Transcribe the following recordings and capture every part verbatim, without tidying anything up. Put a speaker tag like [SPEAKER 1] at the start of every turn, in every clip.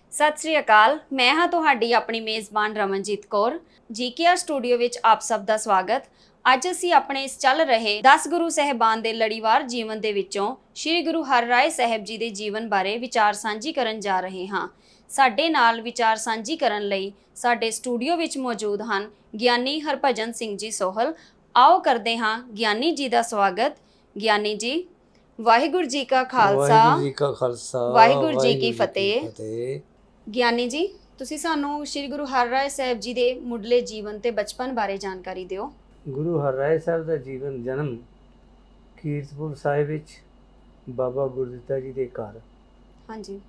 [SPEAKER 1] ਸਤਿ ਸ੍ਰੀ ਅਕਾਲ। ਮੈਂ ਹਾਂ ਤੁਹਾਡੀ ਆਪਣੀ ਮੇਜ਼ਬਾਨ ਰਮਨਜੀਤ ਕੌਰ। ਜੀਕੇਆਰ ਸਟੂਡੀਓ ਵਿੱਚ ਆਪ ਸਭ ਦਾ ਸਵਾਗਤ। ਅੱਜ ਅਸੀਂ ਆਪਣੇ ਇਸ ਚੱਲ ਰਹੇ ਦਸ ਗੁਰੂ ਸਾਹਿਬਾਨ ਦੇ ਲੜੀਵਾਰ ਜੀਵਨ ਦੇ ਵਿੱਚੋਂ ਸ੍ਰੀ ਗੁਰੂ ਹਰਿਰਾਏ ਸਾਹਿਬ ਜੀ ਦੇ ਜੀਵਨ ਬਾਰੇ ਵਿਚਾਰ ਸਾਂਝੀ ਕਰਨ ਜਾ ਰਹੇ ਹਾਂ। ਸਾਡੇ ਨਾਲ ਵਿਚਾਰ ਸਾਂਝੀ ਕਰਨ ਲਈ ਸਾਡੇ ਸਟੂਡੀਓ ਵਿੱਚ ਮੌਜੂਦ ਹਨ ਗਿਆਨੀ ਹਰਭਜਨ ਸਿੰਘ ਜੀ ਸੋਹਲ। ਆਓ ਕਰਦੇ ਹਾਂ ਗਿਆਨੀ ਜੀ ਦਾ ਸਵਾਗਤ। ਗਿਆਨੀ ਜੀ, ਵਾਹਿਗੁਰੂ ਜੀ ਕਾ ਖਾਲਸਾ
[SPEAKER 2] ਵਾਹਿਗੁਰੂ ਜੀ ਕਾ ਖਾਲਸਾ
[SPEAKER 1] ਵਾਹਿਗੁਰੂ ਜੀ ਕੀ
[SPEAKER 2] ਵਾਹਿਗੁਰੂ
[SPEAKER 1] ਫਤਿਹ।
[SPEAKER 2] ਫਤਿਹ।
[SPEAKER 1] ਗਿਆਨੀ ਜੀ, ਤੁਸੀਂ ਸਾਨੂੰ ਸ੍ਰੀ ਗੁਰੂ ਹਰਿਰਾਏ ਸਾਹਿਬ ਜੀ ਦੇ ਮੁੱਢਲੇ ਜੀਵਨ ਤੇ ਬਚਪਨ ਬਾਰੇ ਜਾਣਕਾਰੀ ਦਿਓ।
[SPEAKER 2] ਗੁਰੂ ਹਰਿਰਾਏ ਸਾਹਿਬ ਦਾ ਜੀਵਨ ਜਨਮ ਕੀਰਤਪੁਰ ਸਾਹਿਬ ਵਿੱਚ ਬਾਬਾ ਗੁਰਦਿੱਤਾ ਜੀ ਦੇ ਘਰ
[SPEAKER 1] ਹਾਂਜੀ,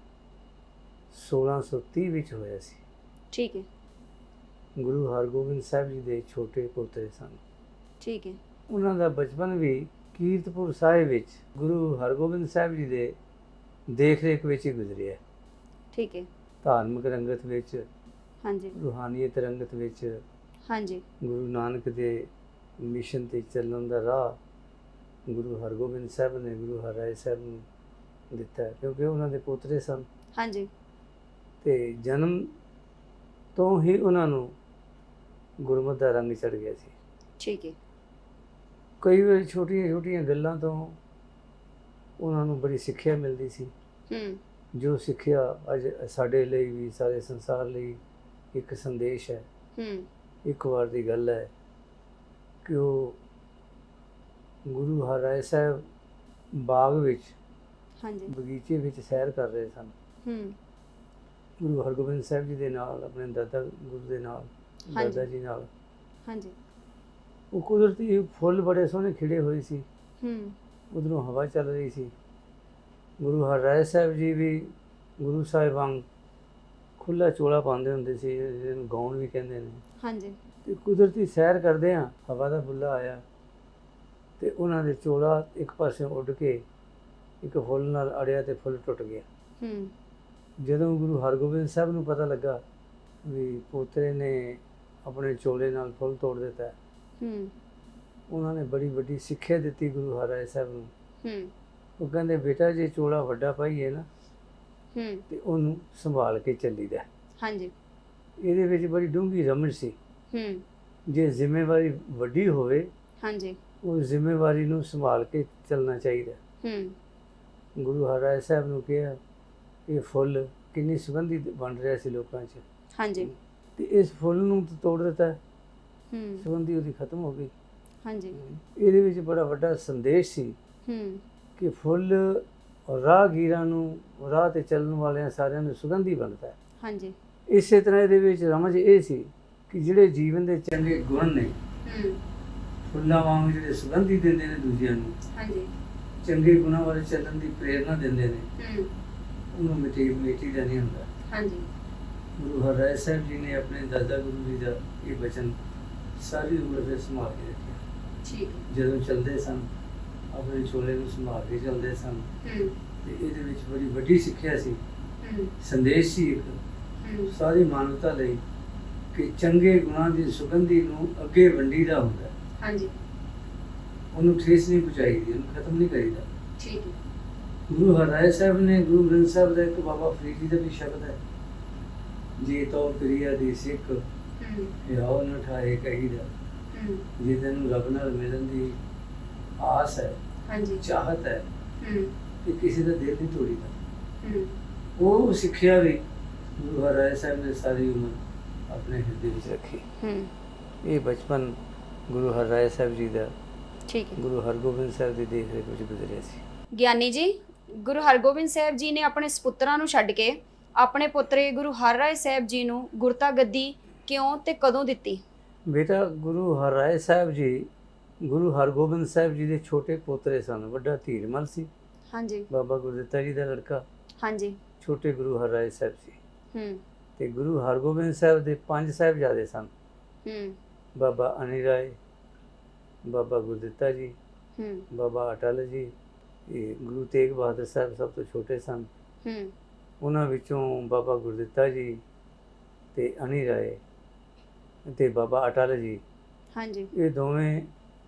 [SPEAKER 2] ਸੋਲਾਂ ਸੌ ਤੀਹ ਵਿੱਚ ਹੋਇਆ ਸੀ।
[SPEAKER 1] ਠੀਕ ਹੈ,
[SPEAKER 2] ਗੁਰੂ ਹਰਗੋਬਿੰਦ ਸਾਹਿਬ ਜੀ ਦੇ ਛੋਟੇ ਪੋਤੇ ਸਨ।
[SPEAKER 1] ਠੀਕ ਹੈ,
[SPEAKER 2] ਉਹਨਾਂ ਦਾ ਬਚਪਨ ਵੀ ਕੀਰਤਪੁਰ ਸਾਹਿਬ ਵਿੱਚ ਗੁਰੂ ਹਰਗੋਬਿੰਦ ਸਾਹਿਬ ਜੀ ਦੇ ਦੇਖ ਰੇਖ ਵਿੱਚ ਹੀ ਗੁਜ਼ਰਿਆ।
[SPEAKER 1] ਠੀਕ ਹੈ,
[SPEAKER 2] ਧਾਰਮਿਕ ਰੰਗਤ ਵਿੱਚ,
[SPEAKER 1] ਹਾਂਜੀ,
[SPEAKER 2] ਰੂਹਾਨੀਅਤ ਰੰਗਤ ਵਿੱਚ,
[SPEAKER 1] ਹਾਂਜੀ,
[SPEAKER 2] ਗੁਰੂ ਨਾਨਕ ਦੇ ਮਿਸ਼ਨ ਤੇ ਚੱਲਣ ਦਾ ਰਾਹ ਗੁਰੂ ਹਰਗੋਬਿੰਦ ਸਾਹਿਬ ਨੇ ਗੁਰੂ ਹਰਿਰਾਏ ਸਾਹਿਬ ਨੂੰ ਦਿੱਤਾ, ਕਿਉਂਕਿ ਉਹਨਾਂ ਦੇ ਪੋਤਰੇ ਸਨ।
[SPEAKER 1] ਹਾਂਜੀ,
[SPEAKER 2] ਤੇ ਜਨਮ ਤੋਂ ਹੀ ਉਹਨਾਂ ਨੂੰ ਗੁਰਮਤਿ ਦਾ ਰੰਗ ਚੜ੍ਹ ਗਿਆ ਸੀ।
[SPEAKER 1] ਠੀਕ ਹੈ,
[SPEAKER 2] ਕਈ ਵਾਰ ਛੋਟੀਆਂ ਛੋਟੀਆਂ ਗੱਲਾਂ ਤੋਂ ਉਹਨਾਂ ਨੂੰ ਬੜੀ ਸਿੱਖਿਆ ਮਿਲਦੀ ਸੀ,
[SPEAKER 1] ਹੂੰ,
[SPEAKER 2] ਜੋ ਸਿੱਖਿਆ ਅੱਜ ਸਾਡੇ ਲਈ ਵੀ ਸਾਰੇ ਸੰਸਾਰ ਲਈ ਇੱਕ ਸੰਦੇਸ਼ ਹੈ।
[SPEAKER 1] ਹੂੰ,
[SPEAKER 2] ਇੱਕ ਵਾਰ ਦੀ ਗੱਲ ਹੈ ਕਿ ਉਹ ਗੁਰੂ ਹਰਿਰਾਏ ਸਾਹਿਬ ਬਾਗ ਵਿੱਚ,
[SPEAKER 1] ਹਾਂਜੀ,
[SPEAKER 2] ਬਗੀਚੇ ਵਿੱਚ ਸੈਰ ਕਰ ਰਹੇ ਸਨ।
[SPEAKER 1] ਹੂੰ,
[SPEAKER 2] ਗੁਰੂ ਹਰਗੋਬਿੰਦ ਸਾਹਿਬ ਜੀ ਦੇ ਨਾਲ, ਆਪਣੇ ਦਾਦਾ ਗੁਰੂ ਦੇ ਨਾਲ,
[SPEAKER 1] ਹਾਂਜੀ,
[SPEAKER 2] ਦਾਦਾ ਜੀ ਨਾਲ।
[SPEAKER 1] ਹਾਂਜੀ,
[SPEAKER 2] ਉਹ ਕੁਦਰਤੀ ਫੁੱਲ ਬੜੇ ਸੋਹਣੇ ਖਿੜੇ ਹੋਏ ਸੀ,
[SPEAKER 1] ਹੂੰ,
[SPEAKER 2] ਉਧਰੋਂ ਹਵਾ ਚੱਲ ਰਹੀ ਸੀ। ਗੁਰੂ ਹਰਿਰਾਏ ਸਾਹਿਬ ਜੀ ਵੀ ਗੁਰੂ ਸਾਹਿਬ ਵਾਂਗ ਖੁੱਲ੍ਹਾ ਚੋਲਾ ਪਾਉਂਦੇ ਹੁੰਦੇ ਸੀ, ਜਿਹਨੂੰ ਗਾਉਣ ਵੀ ਕਹਿੰਦੇ ਨੇ।
[SPEAKER 1] ਹਾਂਜੀ,
[SPEAKER 2] ਤੇ ਕੁਦਰਤੀ ਸੈਰ ਕਰਦੇ ਹਾਂ, ਹਵਾ ਦਾ ਬੁੱਲਾ ਆਇਆ ਤੇ ਉਹਨਾਂ ਦੇ ਚੋਲਾ ਇੱਕ ਪਾਸੇ ਉੱਡ ਕੇ ਇੱਕ ਫੁੱਲ ਨਾਲ ਅੜਿਆ ਤੇ ਫੁੱਲ ਟੁੱਟ ਗਿਆ।
[SPEAKER 1] ਹੂੰ,
[SPEAKER 2] ਜਦੋਂ ਗੁਰੂ ਹਰਗੋਬਿੰਦ ਸਾਹਿਬ ਨੂੰ ਪਤਾ ਲੱਗਾ ਵੀ ਪੋਤਰੇ ਨੇ ਆਪਣੇ ਚੋਲੇ ਨਾਲ ਫੁੱਲ ਤੋੜ ਦਿੱਤਾ,
[SPEAKER 1] ਹੂੰ,
[SPEAKER 2] ਉਹਨਾਂ ਨੇ ਬੜੀ ਵੱਡੀ ਸਿੱਖਿਆ ਦਿੱਤੀ ਗੁਰੂ ਹਰਿਰਾਏ ਸਾਹਿਬ ਨੂੰ।
[SPEAKER 1] ਹੂੰ,
[SPEAKER 2] ਉਹ ਕਹਿੰਦੇ, ਬੇਟਾ ਜੇ ਚੋਲਾ ਵੱਡਾ ਪਾਈਏ ਨਾ
[SPEAKER 1] ਹੂੰ,
[SPEAKER 2] ਤੇ ਉਹਨੂੰ ਸੰਭਾਲ ਕੇ ਚੱਲੀਦਾ।
[SPEAKER 1] ਹਾਂਜੀ,
[SPEAKER 2] ਇਹਦੇ ਵਿੱਚ ਬੜੀ ਡੂੰਘੀ ਰਮਣ ਸੀ।
[SPEAKER 1] ਹੂੰ,
[SPEAKER 2] ਜੇ ਜ਼ਿੰਮੇਵਾਰੀ ਵੱਡੀ ਹੋਵੇ,
[SPEAKER 1] ਹਾਂਜੀ,
[SPEAKER 2] ਉਹ ਜ਼ਿੰਮੇਵਾਰੀ ਨੂੰ ਸੰਭਾਲ ਕੇ ਚੱਲਣਾ ਚਾਹੀਦਾ।
[SPEAKER 1] ਹੂੰ,
[SPEAKER 2] ਗੁਰੂ ਹਰਿਰਾਏ ਸਾਹਿਬ ਨੂੰ ਕਿਹਾ, ਇਹ ਫੁੱਲ ਕਿੰਨੀ ਸੁਗੰਧੀ ਬਣ ਰਿਹਾ ਸੀ ਲੋਕਾਂ 'ਚ,
[SPEAKER 1] ਹਾਂਜੀ,
[SPEAKER 2] ਤੇ ਇਸ ਫੁੱਲ ਨੂੰ ਤਾਂ ਤੋੜ ਦਿੱਤਾ,
[SPEAKER 1] ਹੂੰ,
[SPEAKER 2] ਸੁਗੰਧੀ ਉਹਦੀ ਖਤਮ ਹੋ ਗਈ।
[SPEAKER 1] ਹਾਂਜੀ,
[SPEAKER 2] ਇਹਦੇ ਵਿੱਚ ਬੜਾ ਵੱਡਾ ਸੰਦੇਸ਼ ਸੀ
[SPEAKER 1] ਹੂੰ,
[SPEAKER 2] ਕਿ ਫੁੱਲ ਰਾਹਗੀਰਾਂ ਨੂੰ, ਰਾਹ ਤੇ ਚੱਲਣ ਵਾਲਿਆਂ ਸਾਰਿਆਂ ਨੂੰ ਸੁਗੰਧੀ ਬਣਦਾ ਹੈ।
[SPEAKER 1] ਹਾਂਜੀ,
[SPEAKER 2] ਇਸੇ ਤਰ੍ਹਾਂ ਇਹਦੇ ਵਿੱਚ ਰਮਜ ਇਹ ਸੀ ਕਿ ਜਿਹੜੇ ਜੀਵਨ ਦੇ ਚੰਗੇ ਗੁਣ ਨੇ,
[SPEAKER 1] ਹੂੰ,
[SPEAKER 2] ਫੁੱਲਾਂ ਵਾਂਗ ਜਿਹੜੇ ਸੁਗੰਧੀ ਦਿੰਦੇ ਨੇ ਦੂਜਿਆਂ ਨੂੰ,
[SPEAKER 1] ਹਾਂਜੀ,
[SPEAKER 2] ਚੰਗੇ ਗੁਣਾਂ ਵੱਲ ਚੱਲਣ ਦੀ ਪ੍ਰੇਰਨਾ ਦਿੰਦੇ ਨੇ,
[SPEAKER 1] ਹੂੰ,
[SPEAKER 2] ਉਹਨੂੰ ਮਿਟੀ ਮਿਟੀ ਦਾ ਨਹੀਂ ਹੁੰਦਾ।
[SPEAKER 1] ਹਾਂਜੀ,
[SPEAKER 2] ਗੁਰੂ ਹਰਿਰਾਏ ਸਾਹਿਬ ਜੀ ਨੇ ਆਪਣੇ ਦਾਦਾ ਗੁਰੂ ਜੀ ਦਾ ਇਹ ਬਚਨ ਸਾਰੀ ਉਮਰ ਵਿੱਚ ਸੰਭਾਲ ਕੇ ਰੱਖਿਆ।
[SPEAKER 1] ਠੀਕ ਹੈ,
[SPEAKER 2] ਜਦੋਂ ਚੱਲਦੇ ਸਨ, ਆਪਣੇ ਚੋਲੇ ਨੂੰ ਸੰਭਾਲ ਕੇ ਚੱਲਦੇ ਸਨ।
[SPEAKER 1] ਹੂੰ,
[SPEAKER 2] ਤੇ ਇਹਦੇ ਵਿੱਚ ਬੜੀ ਵੱਡੀ ਸਿੱਖਿਆ ਸੀ,
[SPEAKER 1] ਹੂੰ,
[SPEAKER 2] ਸੰਦੇਸ਼ ਸੀ ਇੱਕ
[SPEAKER 1] ਹੂੰ,
[SPEAKER 2] ਸਾਰੀ ਮਾਨਵਤਾ ਲਈ ਕਿ ਚੰਗੇ ਗੁਣਾਂ ਦੀ ਸੁਗੰਧੀ ਨੂੰ ਅੱਗੇ ਵੰਡੀਦਾ ਹੁੰਦਾ,
[SPEAKER 1] ਹਾਂਜੀ,
[SPEAKER 2] ਉਹਨੂੰ ਠੇਸ ਨਹੀਂ ਪਹੁੰਚਾਈਦੀ, ਉਹਨੂੰ ਖਤਮ ਨਹੀਂ ਕਰੀਦਾ।
[SPEAKER 1] ਠੀਕ ਹੈ,
[SPEAKER 2] ਗੁਰੂ ਹਰਿਰਾਏ ਸਾਹਿਬ ਨੇ, ਗੁਰੂ ਗ੍ਰੰਥ ਸਾਹਿਬ ਦਾ ਇੱਕ ਬਾਬਾ ਫਰੀਦ ਜੀ ਦਾ ਵੀ ਸ਼ਬਦ ਹੈ, ਜੇ ਤੋ ਪ੍ਰਿਆ ਦੀ ਸਿੱਖ
[SPEAKER 1] ਹੂੰ,
[SPEAKER 2] ਹਿਆਉ ਨ ਠਾਏ ਕਹੀਦਾ।
[SPEAKER 1] ਹੂੰ,
[SPEAKER 2] ਜੇ ਤੈਨੂੰ ਰੱਬ ਨਾਲ ਮਿਲਣ ਦੀ ਆਸ ਹੈ,
[SPEAKER 1] ਹਾਂਜੀ,
[SPEAKER 2] ਚਾਹਤ ਹੈ,
[SPEAKER 1] ਹੂੰ,
[SPEAKER 2] ਤੇ ਕਿਸੇ ਦਾ ਦਿਲ ਨਹੀਂ ਤੋੜੀਦਾ।
[SPEAKER 1] ਹੂੰ,
[SPEAKER 2] ਉਹ ਸਿੱਖਿਆ ਵੀ ਗੁਰੂ ਹਰਿਰਾਏ ਸਾਹਿਬ ਨੇ ਸਾਰੀ ਉਮਰ ਆਪਣੇ ਹਿਰਦੇ ਵਿੱਚ ਰੱਖੀ।
[SPEAKER 1] ਹੂੰ,
[SPEAKER 2] ਇਹ ਬਚਪਨ ਗੁਰੂ ਹਰਿਰਾਏ ਸਾਹਿਬ ਜੀ ਦਾ
[SPEAKER 1] ਠੀਕ ਹੈ।
[SPEAKER 2] ਗੁਰੂ ਹਰਗੋਬਿੰਦ ਸਾਹਿਬ ਦੀ ਦੇਖ ਰੇਖ ਵਿੱਚ ਗੁਜ਼ਰਿਆ ਸੀ।
[SPEAKER 1] ਗਿਆਨੀ ਜੀ, ਗੁਰੂ ਹਰਗੋਬਿੰਦ ਸਾਹਿਬ ਜੀ ਨੇ ਆਪਣੇ ਸਪੁੱਤਰਾਂ ਨੂੰ ਛੱਡ ਕੇ ਆਪਣੇ ਪੁੱਤਰੇ ਗੁਰੂ ਹਰਿਰਾਏ ਸਾਹਿਬ ਜੀ ਨੂੰ ਗੁਰਤਾ ਗੱਦੀ ਕਿਉਂ ਤੇ ਕਦੋਂ ਦਿੱਤੀ?
[SPEAKER 2] ਬੇਟਾ, ਗੁਰੂ ਹਰਿਰਾਏ ਸਾਹਿਬ ਜੀ ਗੁਰੂ ਹਰਗੋਬਿੰਦ ਸਾਹਿਬ ਜੀ ਦੇ ਛੋਟੇ ਪੋਤਰੇ ਸਨ। ਵੱਡਾ ਧੀਰਮਲ ਸੀ,
[SPEAKER 1] ਹਾਂਜੀ,
[SPEAKER 2] ਬਾਬਾ ਗੁਰਦਿੱਤਾ ਜੀ ਦਾ ਲੜਕਾ।
[SPEAKER 1] ਹਾਂਜੀ,
[SPEAKER 2] ਛੋਟੇ ਗੁਰੂ ਹਰਿਰਾਏ ਸਾਹਿਬ ਸੀ।
[SPEAKER 1] ਹੂੰ,
[SPEAKER 2] ਤੇ ਗੁਰੂ ਹਰਗੋਬਿੰਦ ਸਾਹਿਬ ਦੇ ਪੰਜ ਸਾਹਿਬਜ਼ਾਦੇ ਸਨ।
[SPEAKER 1] ਹੂੰ,
[SPEAKER 2] ਬਾਬਾ ਅਨਿਲ ਰਾਏ, ਬਾਬਾ ਗੁਰਦਿੱਤਾ ਜੀ,
[SPEAKER 1] ਹੂੰ,
[SPEAKER 2] ਬਾਬਾ ਅਟਲ ਜੀ, ਇਹ ਗੁਰੂ ਤੇਗ ਬਹਾਦਰ ਸਾਹਿਬ ਸਭ ਤੋਂ ਛੋਟੇ ਸਨ।
[SPEAKER 1] ਹੂੰ,
[SPEAKER 2] ਉਹਨਾਂ ਵਿੱਚੋਂ ਬਾਬਾ ਗੁਰਦਿੱਤਾ ਜੀ ਤੇ ਅਨਿਲ ਰਾਏ ਤੇ ਬਾਬਾ ਅਟਲ ਜੀ,
[SPEAKER 1] ਹਾਂਜੀ,
[SPEAKER 2] ਇਹ ਦੋਵੇਂ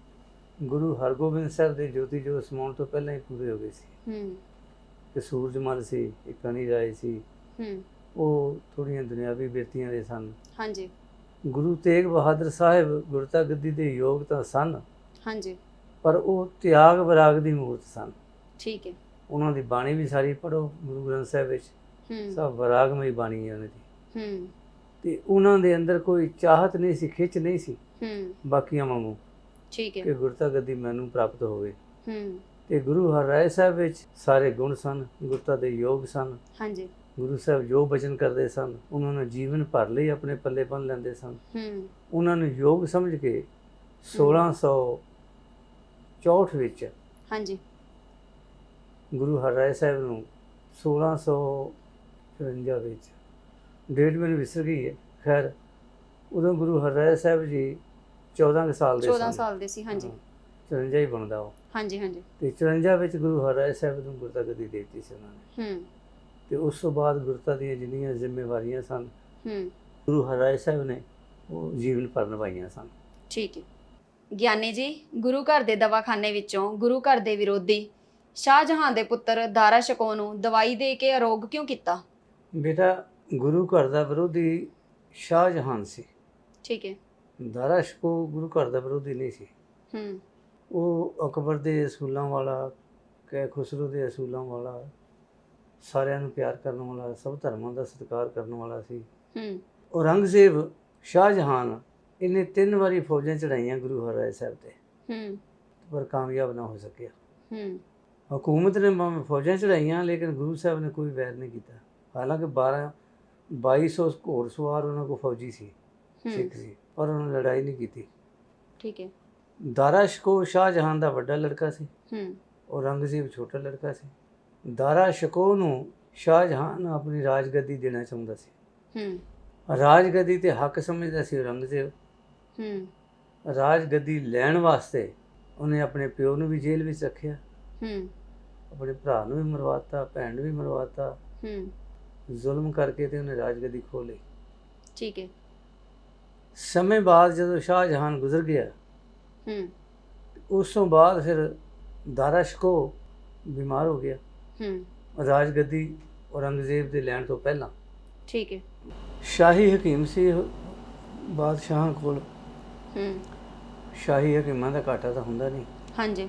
[SPEAKER 2] ਗੁਰੂ ਹਰਗੋਬਿੰਦ ਸਾਹਿਬ ਦੇ ਜੋਤੀ ਜੋਤ ਸਮਾਉਣ ਤੋਂ ਪਹਿਲਾਂ ਹੀ ਪੂਰੇ ਹੋ ਗਏ ਸੀ।
[SPEAKER 1] ਹੂੰ,
[SPEAKER 2] ਤੇ ਸੂਰਜਮਲ ਸੀ, ਇੱਕ ਅਨਿਲ ਰਾਏ ਸੀ,
[SPEAKER 1] ਹੂੰ,
[SPEAKER 2] ਉਹ ਥੋੜ੍ਹੀਆਂ ਦੁਨਿਆਵੀ ਬਿਰਤੀਆਂ ਦੇ ਸਨ।
[SPEAKER 1] ਹਾਂਜੀ
[SPEAKER 2] ਗੁਰੂ ਤੇਗ ਬਹਾਦਰ ਸਾਹਿਬ ਗੁਰਤਾ ਗੱਦੀ ਦੇ ਯੋਗ ਤਾਂ ਸਨ,
[SPEAKER 1] ਹਾਂਜੀ
[SPEAKER 2] ਪਰ ਉਹ ਤਿਆਗ ਵਿਰਾਗ ਦੀ ਮੂਰਤ ਸਨ।
[SPEAKER 1] ਠੀਕ ਹੈ।
[SPEAKER 2] ਉਹਨਾਂ ਦੀ ਬਾਣੀ ਵੀ ਸਾਰੀ ਪੜ੍ਹੋ ਗੁਰੂ ਗ੍ਰੰਥ ਸਾਹਿਬ ਵਿੱਚ,
[SPEAKER 1] ਹੂੰ
[SPEAKER 2] ਸਭ ਵਿਰਾਗਮਈ ਬਾਣੀ ਹੈ ਉਹਨਾਂ ਦੀ।
[SPEAKER 1] ਹੂੰ
[SPEAKER 2] ਤੇ ਉਹਨਾਂ ਦੇ ਅੰਦਰ ਕੋਈ ਚਾਹਤ ਨਹੀਂ ਸੀ, ਖਿੱਚ ਨਹੀਂ ਸੀ
[SPEAKER 1] ਹੂੰ
[SPEAKER 2] ਬਾਕੀਆਂ ਵਾਂਗੂ
[SPEAKER 1] ਠੀਕ ਹੈ।
[SPEAKER 2] ਕਿ ਗੁਰਤਾ ਗੱਦੀ ਮੈਨੂੰ ਪ੍ਰਾਪਤ ਹੋਵੇ।
[SPEAKER 1] ਹੂੰ
[SPEAKER 2] ਤੇ ਗੁਰੂ ਹਰਿਰਾਏ ਸਾਹਿਬ ਵਿੱਚ ਸਾਰੇ ਗੁਣ ਸਨ, ਗੁਰਤਾ ਦੇ ਯੋਗ ਸਨ।
[SPEAKER 1] ਹਾਂਜੀ
[SPEAKER 2] ਗੁਰੂ ਸਾਹਿਬ ਜੋ ਬਚਨ ਕਰਦੇ ਸਨ ਉਹਨਾਂ ਨੂੰ ਜੀਵਨ ਭਰ ਲਈ ਆਪਣੇ ਪੱਲੇ ਬੰਨ੍ਹ ਲੈਂਦੇ ਸਨ।
[SPEAKER 1] ਹੂੰ
[SPEAKER 2] ਉਹਨਾਂ ਨੂੰ ਯੋਗ ਸਮਝ ਕੇ ਸੋਲਾਂ ਸੌ ਚੌਂਹਠ ਵਿੱਚ
[SPEAKER 1] ਹਾਂਜੀ
[SPEAKER 2] ਗੁਰੂ ਹਰਿਰਾਏ ਸਾਹਿਬ ਨੂੰ ਸੋਲਾਂ ਸੌ ਚੁਰੰਜਾ ਵਿੱਚ, ਡੇਟ ਮੈਨੂੰ ਵਿਸਰ ਗਈ ਹੈ, ਖੈਰ ਉਦੋਂ ਗੁਰੂ ਹਰਿਰਾਏ ਸਾਹਿਬ ਜੀ ਚੌਦਾਂ ਕੁ ਸਾਲ ਦੇ
[SPEAKER 1] ਚੌਦਾਂ
[SPEAKER 2] ਸਨ।
[SPEAKER 1] ਸਾਲ ਦੇ ਸੀ। ਹਾਂਜੀ
[SPEAKER 2] ਹਾਂ, ਚੁਰੰਜਾ ਹੀ ਬਣਦਾ ਉਹ।
[SPEAKER 1] ਹਾਂਜੀ ਹਾਂਜੀ
[SPEAKER 2] ਤੇ ਚੁਰੰਜਾ ਵਿੱਚ ਗੁਰੂ ਹਰਿਰਾਏ ਸਾਹਿਬ ਨੂੰ ਗੁਰਤਾ ਗੱਦੀ ਦੇ ਦਿੱਤੀ ਸੀ ਉਹਨਾਂ ਨੇ।
[SPEAKER 1] ਹੂੰ
[SPEAKER 2] ਤੇ ਉਸ ਤੋਂ ਬਾਅਦ ਗੁਰਤਾ ਦੀਆਂ ਜਿੰਨੀਆਂ ਜ਼ਿੰਮੇਵਾਰੀਆਂ ਸਨ
[SPEAKER 1] ਹੂੰ
[SPEAKER 2] ਗੁਰੂ ਹਰਿਰਾਏ ਸਾਹਿਬ ਨੇ ਉਹ ਜੀਵਨ ਭਰ ਨਿਭਾਈਆਂ ਸਨ।
[SPEAKER 1] ਠੀਕ ਹੈ। ਗਿਆਨੀ ਜੀ, ਗੁਰੂ ਘਰ ਦੇ ਦਵਾਖਾਨੇ ਵਿੱਚੋਂ ਗੁਰੂ ਘਰ ਦੇ ਵਿਰੋਧੀ ਸ਼ਾਹਜਹਾਨ ਦੇ ਪੁੱਤਰ ਦਾਰਾ ਸ਼ਕੋ ਨੂੰ ਦਵਾਈ ਦੇ ਕੇ ਅਰੋਗ ਕਿਉਂ ਕੀਤਾ?
[SPEAKER 2] ਬੇਟਾ, ਗੁਰੂ ਘਰ ਦਾ ਵਿਰੋਧੀ ਸ਼ਾਹਜਹਾਨ ਸੀ।
[SPEAKER 1] ਠੀਕ ਹੈ।
[SPEAKER 2] ਦਾਰਾ ਸ਼ਕੋ ਗੁਰੂ ਘਰ ਦਾ ਵਿਰੋਧੀ ਨਹੀਂ ਸੀ।
[SPEAKER 1] ਹੂੰ
[SPEAKER 2] ਉਹ ਅਕਬਰ ਦੇ ਅਸੂਲਾਂ ਵਾਲਾ, ਕੈ ਖੁਸਰੋ ਦੇ ਅਸੂਲਾਂ ਵਾਲਾ, ਸਾਰਿਆਂ ਨੂੰ ਪਿਆਰ ਕਰਨ ਵਾਲਾ, ਸਭ ਧਰਮਾਂ ਦਾ ਸਤਿਕਾਰ ਕਰਨ ਵਾਲਾ ਸੀ।
[SPEAKER 1] ਹੂੰ
[SPEAKER 2] ਔਰੰਗਜ਼ੇਬ ਸ਼ਾਹਜਹਾਨ ਇਹਨੇ ਤਿੰਨ ਵਾਰੀ ਫੌਜਾਂ ਚੜਾਈਆਂ ਗੁਰੂ ਹਰਿਰਾਏ ਸਾਹਿਬ ਤੇ,
[SPEAKER 1] ਹੂੰ
[SPEAKER 2] ਪਰ ਕਾਮਯਾਬ ਨਾ ਹੋ ਸਕਿਆ।
[SPEAKER 1] ਹੂੰ
[SPEAKER 2] ਹਕੂਮਤ ਨੇ ਭਾਵੇਂ ਫੌਜਾਂ ਚੜਾਈਆਂ ਲੇਕਿਨ ਗੁਰੂ ਸਾਹਿਬ ਨੇ ਕੋਈ ਵੈਰ ਨਹੀਂ ਕੀਤਾ। ਹਾਲਾਂਕਿ ਬਾਰਾਂ ਬਾਈ ਸੌ ਘੋੜ ਸਵਾਰ ਉਹਨਾਂ ਕੋਲ ਫੌਜੀ ਸੀ, ਸਿੱਖ ਸੀ, ਪਰ ਉਹਨਾਂ ਨੇ ਲੜਾਈ ਨਹੀਂ ਕੀਤੀ।
[SPEAKER 1] ਠੀਕ ਹੈ।
[SPEAKER 2] ਦਾਰਾ ਸ਼ਕੋ ਸ਼ਾਹਜਹਾਨ ਦਾ ਵੱਡਾ ਲੜਕਾ ਸੀ,
[SPEAKER 1] ਹੂੰ
[SPEAKER 2] ਔਰੰਗਜ਼ੇਬ ਛੋਟਾ ਲੜਕਾ ਸੀ। ਦਾਰਾ ਸ਼ਕੋ ਨੂੰ ਸ਼ਾਹਜਹਾਨ ਆਪਣੀ ਰਾਜਗੱਦੀ ਦੇਣਾ ਚਾਹੁੰਦਾ ਸੀ।
[SPEAKER 1] ਹੂੰ
[SPEAKER 2] ਰਾਜਗੱਦੀ ਤੇ ਹੱਕ ਸਮਝਦਾ ਸੀ ਔਰੰਗਜ਼ੇਬ।
[SPEAKER 1] ਹੂੰ
[SPEAKER 2] ਰਾਜਗੱਦੀ ਲੈਣ ਵਾਸਤੇ ਉਹਨੇ ਆਪਣੇ ਪਿਓ ਨੂੰ ਵੀ ਜੇਲ੍ਹ ਵਿੱਚ ਰੱਖਿਆ,
[SPEAKER 1] ਹੂੰ
[SPEAKER 2] ਆਪਣੇ ਭਰਾ ਨੂੰ ਵੀ ਮਰਵਾਤਾ, ਭੈਣ ਨੂੰ ਵੀ ਮਰਵਾਤਾ।
[SPEAKER 1] ਹੂੰ
[SPEAKER 2] ਜ਼ੁਲਮ ਕਰਕੇ ਤੇ ਉਹਨੇ ਰਾਜਗੱਦੀ ਖੋਹ ਲਈ।
[SPEAKER 1] ਠੀਕ ਹੈ।
[SPEAKER 2] ਸਮੇਂ ਬਾਅਦ ਜਦੋਂ ਸ਼ਾਹਜਹਾਨ ਗੁਜ਼ਰ ਗਿਆ,
[SPEAKER 1] ਹੂੰ
[SPEAKER 2] ਉਸ ਤੋਂ ਬਾਅਦ ਫਿਰ ਦਾਰਾ ਸ਼ਕੋ ਬਿਮਾਰ ਹੋ ਗਿਆ।
[SPEAKER 1] ਹੂੰ
[SPEAKER 2] ਰਾਜਗੱਦੀ ਔਰੰਗਜ਼ੇਬ ਦੇ ਲੈਣ ਤੋਂ ਪਹਿਲਾਂ।
[SPEAKER 1] ਠੀਕ ਹੈ।
[SPEAKER 2] ਸ਼ਾਹੀ ਹਕੀਮ ਸੀ ਬਾਦਸ਼ਾਹਾਂ ਕੋਲ।
[SPEAKER 1] ਹੂੰ
[SPEAKER 2] ਸ਼ਾਹੀ ਹਕੀਮਾਂ ਦਾ ਘਾਟਾ ਤਾਂ ਹੁੰਦਾ ਨਹੀਂ।
[SPEAKER 1] ਹਾਂਜੀ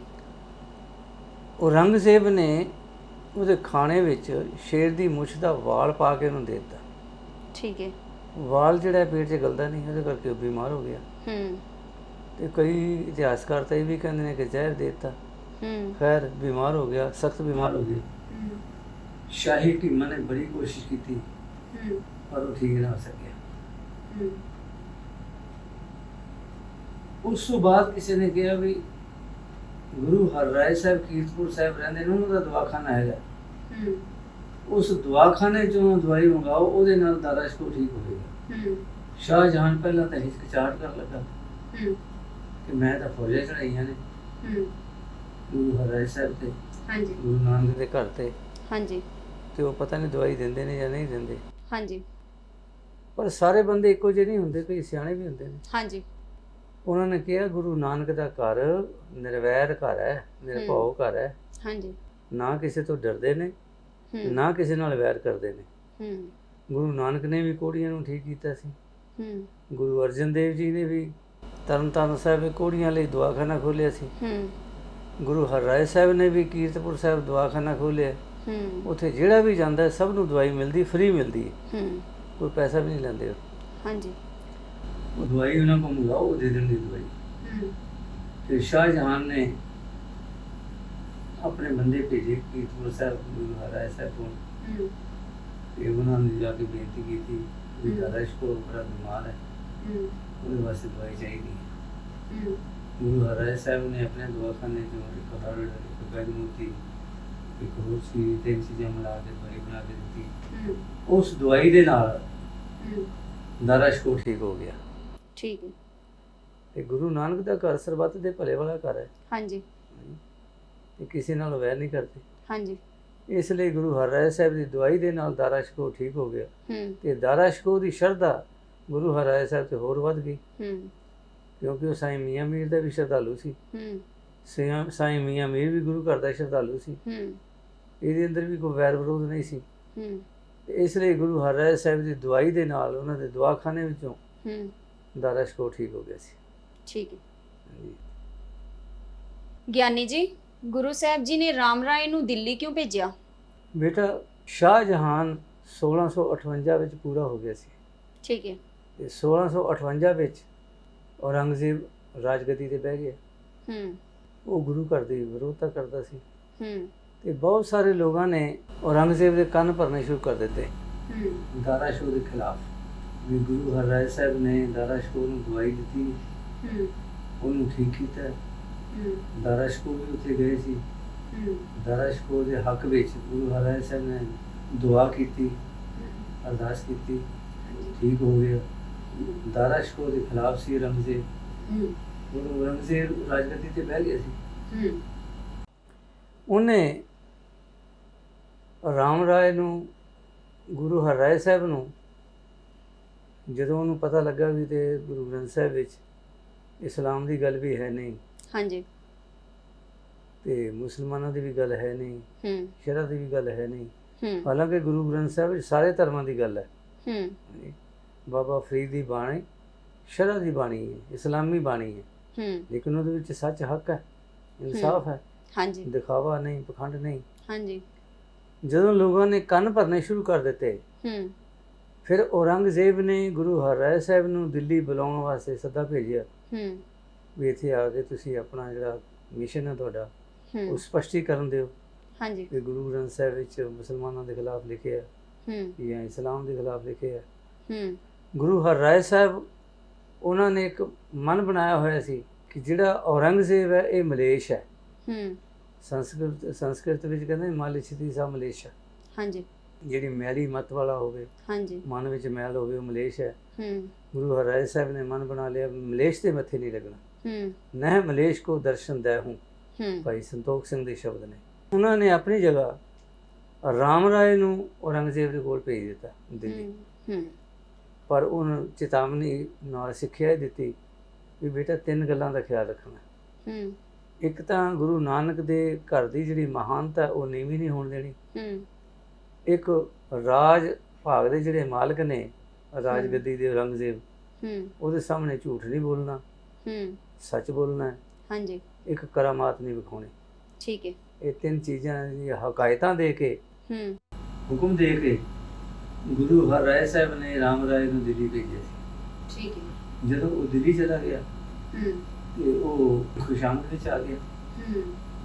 [SPEAKER 2] ਔਰੰਗਜ਼ੇਬ ਨੇ ਉਹਦੇ ਖਾਣੇ ਵਿੱਚ ਸ਼ੇਰ ਦੀ ਮੁੱਛ ਦਾ ਵਾਲ ਪਾ ਕੇ ਉਹਨੂੰ ਦੇ ਦਿੱਤਾ।
[SPEAKER 1] ਠੀਕ ਹੈ।
[SPEAKER 2] ਵਾਲ ਜਿਹੜਾ ਪੇਟ 'ਚ ਗਲਦਾ ਨਹੀਂ, ਉਹਦੇ ਕਰਕੇ ਉਹ ਬਿਮਾਰ ਹੋ ਗਿਆ।
[SPEAKER 1] ਹੂੰ
[SPEAKER 2] ਤੇ ਕਈ ਇਤਿਹਾਸਕਾਰ ਤਾਂ ਇਹ ਵੀ ਕਹਿੰਦੇ ਨੇ ਕਿ ਜ਼ਹਿਰ ਦੇ ਦਿੱਤਾ।
[SPEAKER 1] ਹੂੰ
[SPEAKER 2] ਖੈਰ ਬਿਮਾਰ ਹੋ ਗਿਆ, ਸਖਤ ਬਿਮਾਰ ਹੋ ਗਿਆ। ਸ਼ਾਹੀ ਹਕੀਮਾਂ ਨੇ ਬੜੀ ਕੋਸ਼ਿਸ਼ ਕੀਤੀ
[SPEAKER 1] ਹੂੰ
[SPEAKER 2] ਪਰ ਉਹ ਠੀਕ ਨਾ ਹੋ ਸਕਿਆ।
[SPEAKER 1] ਹੂੰ
[SPEAKER 2] ਉਸ ਤੋਂ ਬਾਅਦ ਕਿਸੇ ਨੇ ਕਿਹਾ ਵੀ ਗੁਰੂ ਹਰਿਰਾਏ ਸਾਹਿਬ ਕੀਰਤਪੁਰ ਸਾਹਿਬ ਰਹਿੰਦੇ ਨੇ, ਉਹਨਾਂ ਦਾ ਦਵਾਖਾਨਾ ਹੈਗਾ,
[SPEAKER 1] ਹੂੰ
[SPEAKER 2] ਉਸ ਦਵਾਖਾਨੇ ਚੋਂ ਦਵਾਈ ਮੰਗਾਓ, ਉਹਦੇ ਨਾਲ ਦਾਰਾ ਸ਼ਕੋ ਠੀਕ ਹੋਵੇਗਾ।
[SPEAKER 1] ਹੂੰ
[SPEAKER 2] ਸ਼ਾਹਜਹਾਨ ਪਹਿਲਾਂ ਤਾਂ ਹਿਚਕਿਚਾਹਟ ਕਰਨ ਲੱਗਾ
[SPEAKER 1] ਹੂੰ
[SPEAKER 2] ਕਿ ਮੈਂ ਤਾਂ ਫੌਜਾਂ ਚੜਾਈਆਂ ਨੇ
[SPEAKER 1] ਹੂੰ
[SPEAKER 2] ਗੁਰੂ ਹਰਿਰਾਏ ਸਾਹਿਬ ਤੇ,
[SPEAKER 1] ਹਾਂਜੀ
[SPEAKER 2] ਗੁਰੂ ਨਾਨਕ ਦੇ ਘਰ ਤੇ,
[SPEAKER 1] ਹਾਂਜੀ
[SPEAKER 2] ਤੇ ਉਹ ਪਤਾ ਨਹੀਂ ਦਵਾਈ ਦਿੰਦੇ ਨੇ ਜਾਂ ਨਹੀਂ ਦਿੰਦੇ।
[SPEAKER 1] ਹਾਂਜੀ
[SPEAKER 2] ਪਰ ਸਾਰੇ ਬੰਦੇ ਇੱਕੋ ਜਿਹੇ ਨਹੀਂ ਹੁੰਦੇ, ਕਈ ਸਿਆਣੇ ਵੀ ਹੁੰਦੇ ਨੇ।
[SPEAKER 1] ਹਾਂਜੀ
[SPEAKER 2] ਉਹਨਾਂ ਨੇ ਕਿਹਾ ਗੁਰੂ ਨਾਨਕ ਦਾ ਘਰ ਨਿਰਵੈਰ ਘਰ ਹੈ, ਨਿਰਭਉ ਘਰ ਹੈ,
[SPEAKER 1] ਹਾਂਜੀ
[SPEAKER 2] ਨਾ ਕਿਸੇ ਤੋਂ ਡਰਦੇ ਨੇ
[SPEAKER 1] ਹੂੰ
[SPEAKER 2] ਨਾ ਕਿਸੇ ਨਾਲ ਵੈਰ ਕਰਦੇ ਨੇ।
[SPEAKER 1] ਹੂੰ
[SPEAKER 2] ਗੁਰੂ ਨਾਨਕ ਨੇ ਵੀ ਕੋੜੀਆਂ ਨੂੰ ਠੀਕ ਕੀਤਾ ਸੀ।
[SPEAKER 1] ਹੂੰ
[SPEAKER 2] ਗੁਰੂ ਅਰਜਨ ਦੇਵ ਜੀ ਨੇ ਵੀ ਤਰਨਤਾਰਨ ਸਾਹਿਬ ਕੋੜੀਆਂ ਲਈ ਦਵਾਖਾਨਾ ਖੋਲ੍ਹਿਆ ਸੀ।
[SPEAKER 1] ਹੂੰ
[SPEAKER 2] ਗੁਰੂ ਹਰਿਰਾਏ ਸਾਹਿਬ ਨੇ ਵੀ ਕੀਰਤਪੁਰ ਸਾਹਿਬ ਦਵਾਖਾਨਾ ਖੋਲ੍ਹਿਆ।
[SPEAKER 1] ਹੂੰ
[SPEAKER 2] ਉੱਥੇ ਜਿਹੜਾ ਵੀ ਜਾਂਦਾ ਸਭ ਨੂੰ ਦਵਾਈ ਮਿਲਦੀ, ਫ੍ਰੀ ਮਿਲਦੀ ਹੈ,
[SPEAKER 1] ਹੂੰ
[SPEAKER 2] ਕੋਈ ਪੈਸਾ ਵੀ ਨਹੀਂ ਲੈਂਦੇ ਉਹ।
[SPEAKER 1] ਹਾਂਜੀ
[SPEAKER 2] ਉਹ ਦਵਾਈ ਉਹਨਾਂ ਕੋਲ ਮੰਗਾਓ, ਉਹ ਦੇ ਦਿੰਦੀ ਦਵਾਈ।
[SPEAKER 1] ਹੂੰ
[SPEAKER 2] ਤੇ ਸ਼ਾਹਜਹਾਨ ਨੇ ਆਪਣੇ ਬੰਦੇ ਭੇਜੇ ਕੀਰਤਪੁਰ ਸਾਹਿਬ ਗੁਰੂ ਹਰਿਰਾਏ ਸਾਹਿਬ ਕੋਲ,
[SPEAKER 1] ਹੂੰ
[SPEAKER 2] ਤੇ ਉਹਨਾਂ ਨੇ ਜਾ ਕੇ ਬੇਨਤੀ ਕੀਤੀ ਵੀ
[SPEAKER 1] ਹੂੰ।
[SPEAKER 2] ਦਾਰਾ ਸ਼ਕੋ ਬੜਾ ਬਿਮਾਰ ਹੈ,
[SPEAKER 1] ਹੂੰ
[SPEAKER 2] ਉਹਦੇ ਵਾਸਤੇ ਦਵਾਈ ਚਾਹੀਦੀ ਹੈ।
[SPEAKER 1] ਹੂੰ
[SPEAKER 2] ਗੁਰੂ ਹਰਿਰਾਏ ਸਾਹਿਬ ਨੇ ਆਪਣੇ ਦਵਾਖਾਨੇ ਚੋਂ ਇੱਕ ਹਰੜ, ਇੱਕ ਬੈਦਮੂਤੀ, ਇੱਕ ਹੋਰ ਸੀ, ਤਿੰਨ ਚੀਜ਼ਾਂ ਮਿਲਾ ਕੇ ਦਵਾਈ ਬਣਾ ਕੇ ਦਿੱਤੀ।
[SPEAKER 1] ਹੂੰ
[SPEAKER 2] ਉਸ ਦਵਾਈ ਦੇ ਨਾਲ
[SPEAKER 1] ਹੂੰ
[SPEAKER 2] ਦਾਰਾ ਸ਼ਕੋ ਠੀਕ ਹੋ ਗਿਆ।
[SPEAKER 1] ਠੀਕ ਹੈ।
[SPEAKER 2] ਤੇ ਗੁਰੂ ਨਾਨਕ ਦਾ ਘਰ ਸਰਬੱਤ ਦੇ ਭਲੇ ਵਾਲਾ ਘਰ ਹੈ,
[SPEAKER 1] ਹਾਂਜੀ
[SPEAKER 2] ਤੇ ਕਿਸੇ ਨਾਲ ਵੈਰ ਨਹੀਂ ਕਰਦੇ।
[SPEAKER 1] ਹਾਂਜੀ
[SPEAKER 2] ਇਸ ਲਈ ਗੁਰੂ ਹਰਿਰਾਏ ਸਾਹਿਬ ਦੀ ਦਵਾਈ ਦੇ ਨਾਲ ਦਾਰਾ ਸ਼ਕੋ ਠੀਕ ਹੋ ਗਿਆ।
[SPEAKER 1] ਹੂੰ
[SPEAKER 2] ਤੇ ਦਾਰਾ ਸ਼ਕੋ ਦੀ ਸ਼ਰਧਾ ਗੁਰੂ ਹਰਿਰਾਏ ਸਾਹਿਬ ਤੇ ਹੋਰ ਵੱਧ ਗਈ,
[SPEAKER 1] ਹੂੰ
[SPEAKER 2] ਕਿਉਂਕਿ ਉਹ ਸਾਈਂ ਮੀਆਂ ਮੀਰ ਦਾ ਵੀ ਸ਼ਰਧਾਲੂ ਸੀ।
[SPEAKER 1] ਹੂੰ
[SPEAKER 2] ਸਾਈਂ ਸਾਈਂ ਮੀਆਂ ਮੀਰ ਵੀ ਗੁਰੂ ਘਰ ਦਾ ਸ਼ਰਧਾਲੂ ਸੀ।
[SPEAKER 1] ਹੂੰ
[SPEAKER 2] ਇਹਦੇ ਅੰਦਰ ਵੀ ਕੋਈ ਵੈਰ ਵਿਰੋਧ ਨਹੀਂ ਸੀ।
[SPEAKER 1] ਹੂੰ
[SPEAKER 2] ਤੇ ਇਸ ਲਈ ਗੁਰੂ ਹਰਿਰਾਏ ਸਾਹਿਬ ਦੀ ਦਵਾਈ ਦੇ ਨਾਲ ਉਹਨਾਂ ਦੇ ਦਵਾਖਾਨੇ ਵਿੱਚੋਂ
[SPEAKER 1] ਹੂੰ
[SPEAKER 2] ਦਾਰਾ ਸ਼ਿਕੋਹ ਠੀਕ ਹੋ ਗਿਆ ਸੀ।
[SPEAKER 1] ਠੀਕ ਹੈ।
[SPEAKER 2] ਹਾਂਜੀ।
[SPEAKER 1] ਗਿਆਨੀ ਜੀ, ਗੁਰੂ ਸਾਹਿਬ ਜੀ ਨੇ ਰਾਮ ਰਾਏ ਨੂੰ ਦਿੱਲੀ ਕਿਉਂ ਭੇਜਿਆ?
[SPEAKER 2] ਬੇਟਾ, ਸ਼ਾਹਜਹਾਨ ਸੋਲਾਂ ਸੌ ਅਠਵੰਜਾ ਵਿੱਚ ਪੂਰਾ ਹੋ ਗਿਆ ਸੀ
[SPEAKER 1] ਠੀਕ ਹੈ।
[SPEAKER 2] ਤੇ ਸੋਲਾਂ ਸੌ ਅਠਵੰਜਾ ਵਿੱਚ ਔਰੰਗਜ਼ੇਬ ਰਾਜਗੱਦੀ ਤੇ ਬਹਿ ਗਿਆ।
[SPEAKER 1] ਹੂੰ
[SPEAKER 2] ਉਹ ਗੁਰੂ ਘਰ ਦੀ ਵਿਰੋਧਤਾ ਕਰਦਾ ਸੀ
[SPEAKER 1] ਹੂੰ
[SPEAKER 2] ਤੇ ਬਹੁਤ ਸਾਰੇ ਲੋਕਾਂ ਨੇ ਔਰੰਗਜ਼ੇਬ ਦੇ ਕੰਨ ਭਰਨੇ ਸ਼ੁਰੂ ਕਰ ਦਿੱਤੇ
[SPEAKER 1] ਹੂੰ
[SPEAKER 2] ਦਾਰਾ ਸ਼ਿਕੋਹ ਦੇ ਖਿਲਾਫ ਵੀ ਗੁਰੂ ਹਰਿਰਾਏ ਸਾਹਿਬ ਨੇ ਦਾਰਾ ਸ਼ਿਕੋਹ ਨੂੰ ਦਵਾਈ ਦਿੱਤੀ,
[SPEAKER 1] ਹੂੰ
[SPEAKER 2] ਉਹਨੂੰ ਠੀਕ ਕੀਤਾ।
[SPEAKER 1] ਹੂੰ
[SPEAKER 2] ਦਾਰਾ ਸ਼ਿਕੋਹ ਵੀ ਉੱਥੇ ਗਏ ਸੀ।
[SPEAKER 1] ਹੂੰ
[SPEAKER 2] ਦਾਰਾ ਸ਼ਿਕੋਹ ਦੇ ਹੱਕ ਵਿੱਚ ਗੁਰੂ ਹਰਿਰਾਏ ਸਾਹਿਬ ਨੇ ਦੁਆ ਕੀਤੀ, ਅਰਦਾਸ ਕੀਤੀ, ਠੀਕ ਹੋ ਗਿਆ। ਦਾਰਾ ਸ਼ਿਕੋਹ ਦੇ ਖਿਲਾਫ ਸੀ ਔਰੰਗਜ਼ੇਬ,
[SPEAKER 1] ਹੂੰ
[SPEAKER 2] ਉਹ ਔਰੰਗਜ਼ੇਬ ਰਾਜਗੱਦੀ ਤੇ ਬਹਿ ਗਿਆ ਸੀ।
[SPEAKER 1] ਹੂੰ
[SPEAKER 2] ਉਹਨੇ ਰਾਮ ਰਾਏ ਨੂੰ, ਗੁਰੂ ਹਰਿਰਾਏ ਸਾਹਿਬ ਨੂੰ, ਜਦੋਂ ਉਹਨੂੰ ਪਤਾ ਲੱਗਾ ਵੀ ਤੇ ਗੁਰੂ ਗ੍ਰੰਥ ਸਾਹਿਬ ਵਿੱਚ ਇਸਲਾਮ ਦੀ ਗੱਲ ਵੀ ਹੈ ਨਹੀਂ
[SPEAKER 1] ਹਾਂਜੀ
[SPEAKER 2] ਤੇ ਮੁਸਲਮਾਨਾਂ ਦੀ ਵੀ ਗੱਲ ਹੈ ਨਹੀਂ,
[SPEAKER 1] ਹੂੰ
[SPEAKER 2] ਸ਼ਰਅ ਦੀ ਵੀ ਗੱਲ ਹੈ ਨਹੀਂ,
[SPEAKER 1] ਹੂੰ
[SPEAKER 2] ਹਾਲਾਂਕਿ ਗੁਰੂ ਗ੍ਰੰਥ ਸਾਹਿਬ ਵਿੱਚ ਸਾਰੇ ਧਰਮਾਂ ਦੀ ਗੱਲ ਹੈ।
[SPEAKER 1] ਹੂੰ
[SPEAKER 2] ਬਾਬਾ ਫਰੀਦ ਦੀ ਬਾਣੀ ਸ਼ਰਅ ਦੀ ਬਾਣੀ ਹੈ, ਇਸਲਾਮੀ ਬਾਣੀ ਹੈ,
[SPEAKER 1] ਹੂੰ
[SPEAKER 2] ਲੇਕਿਨ ਉਹਦੇ ਵਿੱਚ ਸੱਚ, ਹੱਕ ਹੈ, ਇਨਸਾਫ ਹੈ,
[SPEAKER 1] ਹਾਂਜੀ
[SPEAKER 2] ਦਿਖਾਵਾ ਨਹੀਂ, ਪਖੰਡ ਨਹੀਂ।
[SPEAKER 1] ਹਾਂਜੀ
[SPEAKER 2] ਜਦੋਂ ਲੋਕਾਂ ਨੇ ਕੰਨ ਭਰਨੇ ਸ਼ੁਰੂ ਕਰ ਦਿੱਤੇ,
[SPEAKER 1] ਹੂੰ
[SPEAKER 2] ਫਿਰ ਔਰੰਗਜ਼ੇਬ ਨੇ ਗੁਰੂ ਹਰਿਰਾਏ ਸਾਹਿਬ ਨੂੰ ਦਿੱਲੀ ਬੁਲਾਉਣ ਵਾਸਤੇ ਸੱਦਾ ਭੇਜਿਆ
[SPEAKER 1] ਹੂੰ
[SPEAKER 2] ਵੀ ਇੱਥੇ ਆ ਕੇ ਤੁਸੀਂ ਆਪਣਾ ਜਿਹੜਾ ਮਿਸ਼ਨ ਹੈ ਤੁਹਾਡਾ ਉਹ
[SPEAKER 1] ਹੂੰ
[SPEAKER 2] ਸਪਸ਼ਟੀਕਰਨ ਦਿਓ
[SPEAKER 1] ਹਾਂਜੀ
[SPEAKER 2] ਕਿ ਗੁਰੂ ਗ੍ਰੰਥ ਸਾਹਿਬ ਵਿੱਚ ਮੁਸਲਮਾਨਾਂ ਦੇ ਖਿਲਾਫ ਲਿਖਿਆ
[SPEAKER 1] ਹੂੰ
[SPEAKER 2] ਜਾਂ ਇਸਲਾਮ ਦੇ ਖਿਲਾਫ ਲਿਖਿਆ।
[SPEAKER 1] ਹੂੰ
[SPEAKER 2] ਗੁਰੂ ਹਰਿਰਾਏ ਸਾਹਿਬ, ਉਹਨਾਂ ਨੇ ਇੱਕ ਮਨ ਬਣਾਇਆ ਹੋਇਆ ਸੀ ਕਿ ਜਿਹੜਾ ਔਰੰਗਜ਼ੇਬ ਹੈ ਇਹ ਮਲੇਸ਼ ਹੈ।
[SPEAKER 1] ਹੂੰ
[SPEAKER 2] ਸੰਸਕ੍ਰਿਤ ਸੰਸਕ੍ਰਿਤ ਵਿੱਚ ਕਹਿੰਦੇ ਮਾਲਿਛਤੀ ਸਾ ਮਲੇਸ਼ ਹੈ,
[SPEAKER 1] ਹਾਂਜੀ
[SPEAKER 2] ਜਿਹੜੀ ਮੈਲੀ ਮਤ ਵਾਲਾ ਹੋਵੇ,
[SPEAKER 1] ਹਾਂਜੀ
[SPEAKER 2] ਮਨ ਵਿੱਚ ਮੈਲ ਹੋਵੇ, ਉਹ ਮਲੇਸ਼ ਹੈ।
[SPEAKER 1] ਹੂੰ
[SPEAKER 2] ਗੁਰੂ ਹਰਿਰਾਏ ਸਾਹਿਬ ਨੇ ਮਨ ਬਣਾ ਲਿਆ ਮਲੇਸ਼ ਦੇ ਮੱਥੇ ਨਹੀਂ ਲੱਗਣਾ।
[SPEAKER 1] ਹੂੰ
[SPEAKER 2] ਨਹਿ ਮਲੇਸ਼ ਕੋ ਦਰਸ਼ਨ ਦੈ ਹੂੰ,
[SPEAKER 1] ਹੂੰ
[SPEAKER 2] ਭਾਈ ਸੰਤੋਖ ਸਿੰਘ ਦੇ ਸ਼ਬਦ ਨੇ। ਉਹਨਾਂ ਨੇ ਆਪਣੀ ਜਗ੍ਹਾ ਰਾਮ ਰਾਏ ਨੂੰ ਔਰੰਗਜ਼ੇਬ ਦੇ ਕੋਲ ਭੇਜ ਦਿੱਤਾ ਦਿੱਲੀ,
[SPEAKER 1] ਹੂੰ ਹੂੰ
[SPEAKER 2] ਪਰ ਉਹਨੂੰ ਚੇਤਾਵਨੀ ਨਾਲ ਸਿੱਖਿਆ ਦਿੱਤੀ ਵੀ ਬੇਟਾ ਤਿੰਨ ਗੱਲਾਂ ਦਾ ਖਿਆਲ ਰੱਖਣਾ।
[SPEAKER 1] ਹੂੰ
[SPEAKER 2] ਇੱਕ ਤਾਂ ਗੁਰੂ ਨਾਨਕ ਦੇ ਘਰ ਦੀ ਜਿਹੜੀ ਮਹਾਨਤਾ ਉਹ ਨੀਵੀਂ ਨਹੀਂ ਹੋਣ ਦੇਣੀ।
[SPEAKER 1] ਹੂੰ
[SPEAKER 2] ਇੱਕ ਰਾਜ ਭਾਗ ਦੇ ਜਿਹੜੇ ਮਾਲਕ ਨੇ ਰਾਜ ਗੱਦੀ ਦੇ ਔਰੰਗਜ਼ੇਬ,
[SPEAKER 1] ਹੂੰ
[SPEAKER 2] ਉਹਦੇ ਸਾਹਮਣੇ ਝੂਠ ਨਹੀਂ ਬੋਲਣਾ,
[SPEAKER 1] ਹੂੰ
[SPEAKER 2] ਸੱਚ ਬੋਲਣਾ ਹੈ।
[SPEAKER 1] ਹਾਂਜੀ
[SPEAKER 2] ਇੱਕ ਕਰਾਮਾਤ ਨਹੀਂ ਵਿਖਾਉਣੀ।
[SPEAKER 1] ਠੀਕ ਹੈ।
[SPEAKER 2] ਇਹ ਤਿੰਨ ਚੀਜ਼ਾਂ ਦੀਆਂ ਹਕਾਇਤਾਂ ਦੇ ਕੇ,
[SPEAKER 1] ਹੂੰ
[SPEAKER 2] ਹੁਕਮ ਦੇ ਕੇ ਗੁਰੂ ਹਰਿਰਾਏ ਸਾਹਿਬ ਨੇ ਰਾਮ ਰਾਏ ਨੂੰ ਦਿੱਲੀ ਭੇਜਿਆ ਸੀ।
[SPEAKER 1] ਠੀਕ ਹੈ।
[SPEAKER 2] ਜਦੋਂ ਉਹ ਦਿੱਲੀ ਚਲਾ ਗਿਆ
[SPEAKER 1] ਹੂੰ
[SPEAKER 2] ਤੇ ਉਹ ਖੁਸ਼ਾਮਦ ਵਿੱਚ ਆ ਗਿਆ।
[SPEAKER 1] ਹੂੰ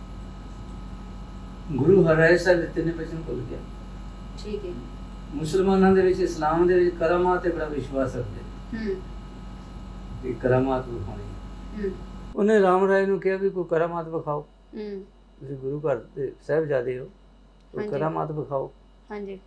[SPEAKER 2] ਗੁਰੂ ਹਰਿਰਾਏ ਸਾਹਿਬ ਦੇ ਤਿੰਨੇ ਬਚਨ ਭੁੱਲ ਗਿਆ।
[SPEAKER 1] ਠੀਕ ਹੈ।
[SPEAKER 2] ਮੁਸਲਮਾਨਾਂ ਦੇ ਵਿੱਚ, ਇਸਲਾਮ ਦੇ ਵਿੱਚ ਕਰਾਮਾਤ ਤੇ ਬੜਾ ਵਿਸ਼ਵਾਸ ਰੱਖਦੇ
[SPEAKER 1] ਹੂੰ
[SPEAKER 2] ਕਿ ਕਰਾਮਾਤ ਵਿਖਾਉਣੀ।
[SPEAKER 1] ਹੂੰ
[SPEAKER 2] ਉਹਨੇ ਰਾਮ ਰਾਏ ਨੂੰ ਕਿਹਾ ਵੀ ਕੋਈ ਕਰਾਮਾਤ ਵਿਖਾਓ,
[SPEAKER 1] ਹੂੰ
[SPEAKER 2] ਤੁਸੀਂ ਗੁਰੂ ਘਰ ਦੇ ਸਾਹਿਬਜ਼ਾਦੇ ਹੋ, ਕੋਈ
[SPEAKER 1] ਹਾਂਜੀ।
[SPEAKER 2] ਕਰਾਮਾਤ ਵਿਖਾਓ।
[SPEAKER 1] ਹਾਂਜੀ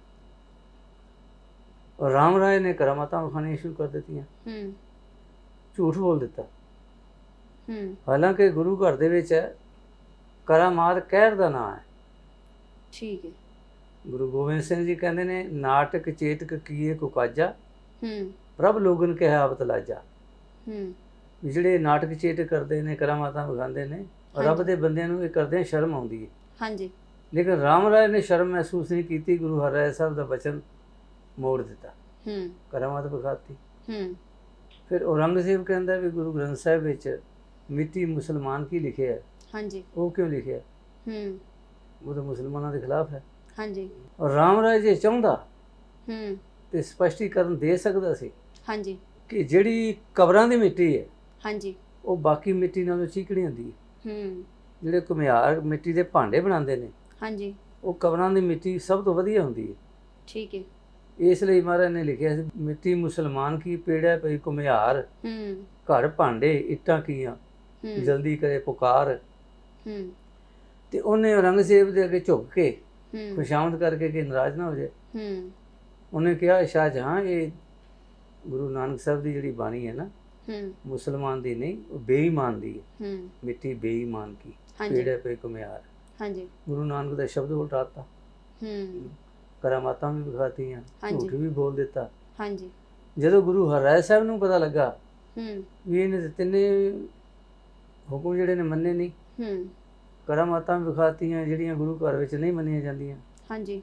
[SPEAKER 2] ਔਰ ਰਾਮ ਰਾਏ ਨੇ ਕਰਾਮਾਤਾਂ ਵਿਖਾਉਣੀਆਂ ਸ਼ੁਰੂ ਕਰ ਦਿੱਤੀਆਂ,
[SPEAKER 1] ਹੂੰ
[SPEAKER 2] ਝੂਠ ਬੋਲ ਦਿੱਤਾ।
[SPEAKER 1] ਹੂੰ
[SPEAKER 2] ਹਾਲਾਂਕਿ ਗੁਰੂ ਘਰ ਦੇ ਵਿੱਚ ਹੈ ਕਰਾਮਾਤ ਕਹਿਰ ਦਾ ਨਾਂ ਹੈ।
[SPEAKER 1] ਠੀਕ ਹੈ।
[SPEAKER 2] ਗੁਰੂ ਗੋਬਿੰਦ ਸਿੰਘ ਜੀ ਕਹਿੰਦੇ ਨੇ ਨਾਟਕ ਚੇਤਕ ਕੀਏ ਕੁਕਾਜਾ,
[SPEAKER 1] ਹੂੰ
[SPEAKER 2] ਪ੍ਰਭ ਲੋਗਨ ਕੇ ਆਵਤ ਲਾਜਾ।
[SPEAKER 1] ਹੂੰ
[SPEAKER 2] ਵੀ ਜਿਹੜੇ ਨਾਟਕ ਚੇਤਕ ਕਰਦੇ ਨੇ, ਕਰਾਮਾਤਾਂ ਵਿਖਾਉਂਦੇ ਨੇ, ਰੱਬ ਦੇ ਬੰਦਿਆਂ ਨੂੰ ਇਹ ਕਰਦਿਆਂ ਸ਼ਰਮ ਆਉਂਦੀ ਹੈ।
[SPEAKER 1] ਹਾਂਜੀ
[SPEAKER 2] ਲੇਕਿਨ ਰਾਮ ਰਾਏ ਨੇ ਸ਼ਰਮ ਮਹਿਸੂਸ ਨਹੀਂ ਕੀਤੀ। ਗੁਰੂ ਹਰਿਰਾਏ ਸਾਹਿਬ ਦਾ ਬਚਨ ਮੋੜ ਦਿੱਤਾ,
[SPEAKER 1] ਹੂੰ
[SPEAKER 2] ਕਰਾਮਾਤ ਵਿਖਾਤੀ।
[SPEAKER 1] ਹੂੰ
[SPEAKER 2] ਫਿਰ ਔਰੰਗਜ਼ੇਬ ਕਹਿੰਦਾ ਵੀ ਗੁਰੂ ਗ੍ਰੰਥ ਸਾਹਿਬ ਵਿੱਚ ਮਿੱਟੀ ਮੁਸਲਮਾਨ ਕੀ ਲਿਖਿਆ ਹੈ,
[SPEAKER 1] ਹਾਂਜੀ
[SPEAKER 2] ਉਹ ਕਿਉਂ ਲਿਖਿਆ?
[SPEAKER 1] ਹੂੰ
[SPEAKER 2] ਉਹ ਤਾਂ ਮੁਸਲਮਾਨਾਂ ਦੇ ਖਿਲਾਫ ਹੈ।
[SPEAKER 1] ਹਾਂਜੀ
[SPEAKER 2] ਔਰ ਰਾਮ ਰਾਏ ਜੇ ਚਾਹੁੰਦਾ
[SPEAKER 1] ਹੂੰ
[SPEAKER 2] ਤੇ ਸਪਸ਼ਟੀਕਰਨ ਦੇ ਸਕਦਾ ਸੀ
[SPEAKER 1] ਹਾਂਜੀ
[SPEAKER 2] ਕਿ ਜਿਹੜੀ ਕਬਰਾਂ ਦੀ ਮਿੱਟੀ ਹੈ
[SPEAKER 1] ਹਾਂਜੀ
[SPEAKER 2] ਉਹ ਬਾਕੀ ਮਿੱਟੀ ਨਾਲੋਂ ਚੀਕਣੀ ਹੁੰਦੀ ਹੈ।
[SPEAKER 1] ਹੂੰ
[SPEAKER 2] ਜਿਹੜੇ ਘੁਮਿਆਰ ਮਿੱਟੀ ਦੇ ਭਾਂਡੇ ਬਣਾਉਂਦੇ ਨੇ,
[SPEAKER 1] ਹਾਂਜੀ
[SPEAKER 2] ਉਹ ਕਬਰਾਂ ਦੀ ਮਿੱਟੀ ਸਭ ਤੋਂ ਵਧੀਆ ਹੁੰਦੀ ਹੈ।
[SPEAKER 1] ਠੀਕ ਹੈ।
[SPEAKER 2] ਇਸ ਲਈ ਮਹਾਰਾਜ ਨੇ ਲਿਖਿਆ ਸੀ ਮਿੱਟੀ ਮੁਸਲਮਾਨ ਕੀ ਪੇੜਾ ਪਈ ਘੁਮਿਆਰ,
[SPEAKER 1] ਹੂੰ
[SPEAKER 2] ਘਰ ਭਾਂਡੇ ਇੱਟਾਂ ਕੀਆਂ,
[SPEAKER 1] ਹੂੰ
[SPEAKER 2] ਜਲਦੀ ਕਰੇ ਪੁਕਾਰ।
[SPEAKER 1] ਹੂੰ
[SPEAKER 2] ਤੇ ਉਹਨੇ ਔਰੰਗਜ਼ੇਬ ਦੇ ਅੱਗੇ ਝੁੱਕ ਕੇ
[SPEAKER 1] ਹੂੰ
[SPEAKER 2] ਖੁਸ਼ਾਮਦ ਕਰਕੇ ਕਿ ਨਾਰਾਜ਼ ਨਾ ਹੋ ਜਾਏ,
[SPEAKER 1] ਹੂੰ
[SPEAKER 2] ਉਹਨੇ ਕਿਹਾ ਸ਼ਾਹਜਹਾਂ ਇਹ ਗੁਰੂ ਨਾਨਕ ਸਾਹਿਬ ਦੀ ਜਿਹੜੀ ਬਾਣੀ ਹੈ ਨਾ,
[SPEAKER 1] ਹੂੰ
[SPEAKER 2] ਮੁਸਲਮਾਨ ਦੀ ਨਹੀਂ, ਉਹ ਬੇਈਮਾਨ ਦੀ ਹੈ।
[SPEAKER 1] ਹੂੰ
[SPEAKER 2] ਮਿੱਟੀ ਬੇਈਮਾਨ ਕੀ
[SPEAKER 1] ਹਾਂਜੀ
[SPEAKER 2] ਪੇੜੇ ਪੇ ਘੁਮਿਆਰ।
[SPEAKER 1] ਹਾਂਜੀ
[SPEAKER 2] ਗੁਰੂ ਨਾਨਕ ਦਾ ਸ਼ਬਦ ਉਲਟਾਤਾ,
[SPEAKER 1] ਹੂੰ
[SPEAKER 2] ਕਰਾਮਾਤਾਂ ਵੀ ਵਿਖਾਤੀਆਂ,
[SPEAKER 1] ਹਾਂਜੀ।
[SPEAKER 2] ਝੂਠ ਵੀ ਬੋਲ ਦਿੱਤਾ।
[SPEAKER 1] ਹਾਂਜੀ
[SPEAKER 2] ਜਦੋਂ ਗੁਰੂ ਹਰਿਰਾਏ ਸਾਹਿਬ ਨੂੰ ਪਤਾ ਲੱਗਾ
[SPEAKER 1] ਹੂੰ
[SPEAKER 2] ਵੀ ਇਹਨੇ ਤੇ ਤਿੰਨੇ ਹੁਕਮ ਜਿਹੜੇ ਨੇ ਮੰਨੇ ਨਹੀਂ,
[SPEAKER 1] ਹੂੰ
[SPEAKER 2] ਕਰਾਮਾਤਾਂ ਵਿਖਾਤੀਆਂ ਜਿਹੜੀਆਂ ਗੁਰੂ ਘਰ ਵਿੱਚ ਨਹੀਂ ਮੰਨੀਆਂ ਜਾਂਦੀਆਂ,
[SPEAKER 1] ਹਾਂਜੀ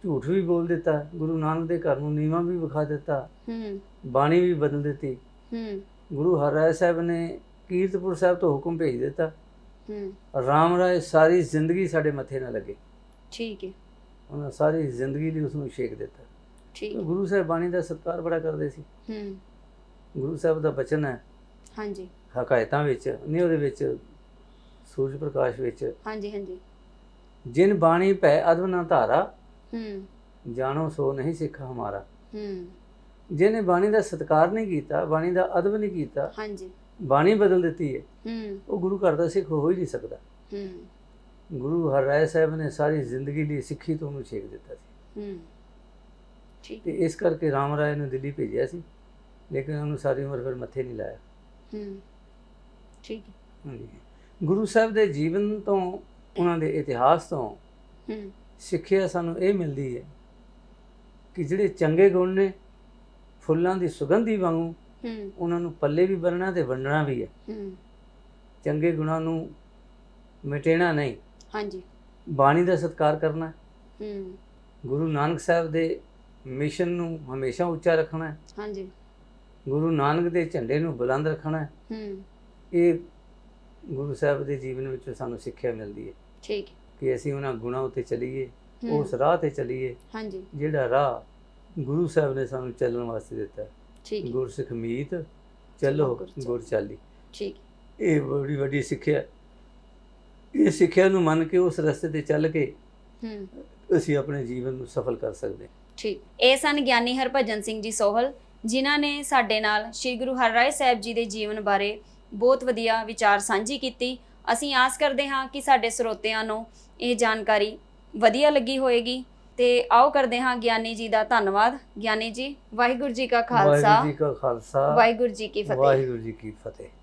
[SPEAKER 2] ਝੂਠ ਵੀ ਬੋਲ ਦਿੱਤਾ, ਗੁਰੂ ਨਾਨਕ ਦੇ ਘਰ ਨੂੰ ਨੀਵਾਂ ਵੀ ਵਿਖਾ ਦਿੱਤਾ,
[SPEAKER 1] ਹੂੰ
[SPEAKER 2] ਬਾਣੀ ਵੀ ਬਦਲ ਦਿੱਤੀ।
[SPEAKER 1] ਹੂੰ
[SPEAKER 2] ਗੁਰੂ ਹਰਿਰਾਏ ਸਾਹਿਬ ਨੇ ਕੀਰਤਪੁਰ ਸਾਹਿਬ ਤੋਂ ਹੁਕਮ ਭੇਜ ਦਿੱਤਾ,
[SPEAKER 1] ਹੂੰ
[SPEAKER 2] ਰਾਮ ਰਾਏ ਸਾਰੀ ਜ਼ਿੰਦਗੀ ਸਾਡੇ ਮੱਥੇ ਨਾ ਲੱਗੇ।
[SPEAKER 1] ਠੀਕ ਹੈ
[SPEAKER 2] ਉਹਨਾਂ ਸਾਰੀ ਜ਼ਿੰਦਗੀ ਲਈ ਉਸ ਨੂੰ ਛੇਕ ਦਿੱਤਾ।
[SPEAKER 1] ਠੀਕ ਹੈ।
[SPEAKER 2] ਗੁਰੂ ਸਾਹਿਬ ਬਾਣੀ ਦਾ ਸਤਿਕਾਰ ਬੜਾ ਕਰਦੇ ਸੀ।
[SPEAKER 1] ਹੂੰ
[SPEAKER 2] ਗੁਰੂ ਸਾਹਿਬ ਦਾ ਬਚਨ ਹੈ
[SPEAKER 1] ਹਾਂਜੀ
[SPEAKER 2] ਹਕਾਇਤਾਂ ਵਿੱਚ, ਨਹੀਂ ਉਹਦੇ ਵਿੱਚ ਸੂਰਜ ਪ੍ਰਕਾਸ਼ ਵਿੱਚ,
[SPEAKER 1] ਹਾਂਜੀ ਹਾਂਜੀ
[SPEAKER 2] ਜਿਨ ਬਾਣੀ ਭੈ ਅਦਬ ਨਾ ਧਾਰਾ,
[SPEAKER 1] ਹੂੰ
[SPEAKER 2] ਜਾਣੋ ਸੋ ਨਹੀਂ ਸਿੱਖ ਹਮਾਰਾ।
[SPEAKER 1] ਹੂੰ
[SPEAKER 2] ਜਿਹਨੇ ਬਾਣੀ ਦਾ ਸਤਿਕਾਰ ਨਹੀਂ ਕੀਤਾ, ਬਾਣੀ ਦਾ ਅਦਬ ਨਹੀਂ ਕੀਤਾ,
[SPEAKER 1] ਹਾਂਜੀ
[SPEAKER 2] ਬਾਣੀ ਬਦਲ ਦਿੱਤੀ ਹੈ,
[SPEAKER 1] ਹੂੰ
[SPEAKER 2] ਉਹ ਗੁਰੂ ਘਰ ਦਾ ਸਿੱਖ ਹੋ ਹੀ ਨਹੀਂ ਸਕਦਾ।
[SPEAKER 1] ਹੂੰ
[SPEAKER 2] ਗੁਰੂ ਹਰਿਰਾਏ ਸਾਹਿਬ ਨੇ ਸਾਰੀ ਜ਼ਿੰਦਗੀ ਲਈ ਸਿੱਖੀ ਤੋਂ ਉਹਨੂੰ ਛੇਕ ਦਿੱਤਾ ਸੀ।
[SPEAKER 1] ਹੂੰ ਠੀਕ
[SPEAKER 2] ਤੇ ਇਸ ਕਰਕੇ ਰਾਮ ਰਾਏ ਨੂੰ ਦਿੱਲੀ ਭੇਜਿਆ ਸੀ, ਲੇਕਿਨ ਉਹਨੂੰ ਸਾਰੀ ਉਮਰ ਫਿਰ ਮੱਥੇ ਨਹੀਂ ਲਾਇਆ।
[SPEAKER 1] ਹੂੰ ਠੀਕ ਹੈ।
[SPEAKER 2] ਹਾਂਜੀ। ਗੁਰੂ ਸਾਹਿਬ ਦੇ ਜੀਵਨ ਤੋਂ, ਉਹਨਾਂ ਦੇ ਇਤਿਹਾਸ ਤੋਂ
[SPEAKER 1] ਹੂੰ
[SPEAKER 2] ਸਿੱਖਿਆ ਸਾਨੂੰ ਇਹ ਮਿਲਦੀ ਹੈ ਕਿ ਜਿਹੜੇ ਚੰਗੇ ਗੁਣ ਨੇ ਫੁੱਲਾਂ ਦੀ ਸੁਗੰਧੀ ਵਾਂਗੂ,
[SPEAKER 1] ਹੂੰ
[SPEAKER 2] ਉਹਨਾਂ ਨੂੰ ਪੱਲੇ ਵੀ ਬੰਨਣਾ ਤੇ ਵੰਡਣਾ ਵੀ ਹੈ।
[SPEAKER 1] ਹੂੰ
[SPEAKER 2] ਚੰਗੇ ਗੁਣਾਂ ਨੂੰ ਮਿਟੇਣਾ ਨਹੀਂ,
[SPEAKER 1] ਹਾਂਜੀ
[SPEAKER 2] ਬਾਣੀ ਦਾ ਸਤਿਕਾਰ ਕਰਨਾ ਹੈ।
[SPEAKER 1] ਹੂੰ
[SPEAKER 2] ਗੁਰੂ ਨਾਨਕ ਸਾਹਿਬ ਦੇ ਮਿਸ਼ਨ ਨੂੰ ਹਮੇਸ਼ਾ ਉੱਚਾ ਰੱਖਣਾ ਹੈ।
[SPEAKER 1] ਹਾਂਜੀ
[SPEAKER 2] ਗੁਰੂ ਨਾਨਕ ਦੇ ਝੰਡੇ ਨੂੰ ਬੁਲੰਦ ਰੱਖਣਾ ਹੈ।
[SPEAKER 1] ਹੂੰ
[SPEAKER 2] ਇਹ ਗੁਰੂ ਸਾਹਿਬ ਦੇ ਜੀਵਨ ਵਿੱਚ ਸਾਨੂੰ ਸਿੱਖਿਆ ਮਿਲਦੀ ਹੈ
[SPEAKER 1] ਠੀਕ ਹੈ।
[SPEAKER 2] ਕਿ ਅਸੀਂ ਉਹਨਾਂ ਗੁਣਾਂ ਉੱਤੇ ਚੱਲੀਏ,
[SPEAKER 1] ਹੂੰ,
[SPEAKER 2] ਉਸ ਰਾਹ ਤੇ ਚੱਲੀਏ
[SPEAKER 1] ਹਾਂਜੀ
[SPEAKER 2] ਜਿਹੜਾ ਰਾਹ ਗੁਰੂ ਸਾਹਿਬ ਨੇ ਸਾਨੂੰ ਚੱਲਣ ਵਾਸਤੇ ਦਿੱਤਾ।
[SPEAKER 1] ਠੀਕ ਹੈ।
[SPEAKER 2] ਗੁਰਸਿੱਖ ਮੀਤ ਚੱਲੋ
[SPEAKER 1] ਗੁਰ ਚਾਲੀ।
[SPEAKER 2] ਗੁਰ ਚਾਲੀ।
[SPEAKER 1] ਠੀਕ
[SPEAKER 2] ਇਹ ਬੜੀ ਵੱਡੀ ਸਿੱਖਿਆ। ਇਹ ਸਿੱਖਿਆ ਨੂੰ ਮੰਨ ਕੇ ਉਸ ਰਸਤੇ ਤੇ ਚੱਲ ਕੇ
[SPEAKER 1] ਹੂੰ
[SPEAKER 2] ਅਸੀਂ ਆਪਣੇ ਜੀਵਨ ਨੂੰ ਸਫਲ ਕਰ ਸਕਦੇ ਹਾਂ।
[SPEAKER 1] ਠੀਕ। ਇਹ ਸਨ ਗਿਆਨੀ ਹਰਭਜਨ ਸਿੰਘ ਜੀ ਸੋਹਲ, ਜਿਨ੍ਹਾਂ ਨੇ ਸਾਡੇ ਨਾਲ ਸ੍ਰੀ ਗੁਰੂ ਹਰਿਰਾਏ ਸਾਹਿਬ ਜੀ ਦੇ ਜੀਵਨ ਬਾਰੇ ਬਹੁਤ ਵਧੀਆ ਵਿਚਾਰ ਸਾਂਝੀ ਕੀਤੀ। ਅਸੀਂ ਆਸ ਕਰਦੇ ਹਾਂ ਕਿ ਸਾਡੇ ਸਰੋਤਿਆਂ ਨੂੰ ਇਹ ਜਾਣਕਾਰੀ ਵਧੀਆ ਲੱਗੀ ਹੋਏਗੀ। ਤੇ ਆਓ ਕਰਦੇ ਹਾਂ ਗਿਆਨੀ ਜੀ ਦਾ ਧੰਨਵਾਦ। ਗਿਆਨੀ ਜੀ, ਵਾਹਿਗੁਰੂ ਜੀ ਕਾ ਖਾਲਸਾ,
[SPEAKER 2] ਵਾਹਿਗੁਰੂ ਜੀ ਕਾ ਖਾਲਸਾ,
[SPEAKER 1] ਵਾਹਿਗੁਰੂ ਜੀ ਕੀ ਫਤਿਹ।
[SPEAKER 2] ਵਾਹਿਗੁਰੂ ਜੀ ਕੀ ਫਤਿਹ।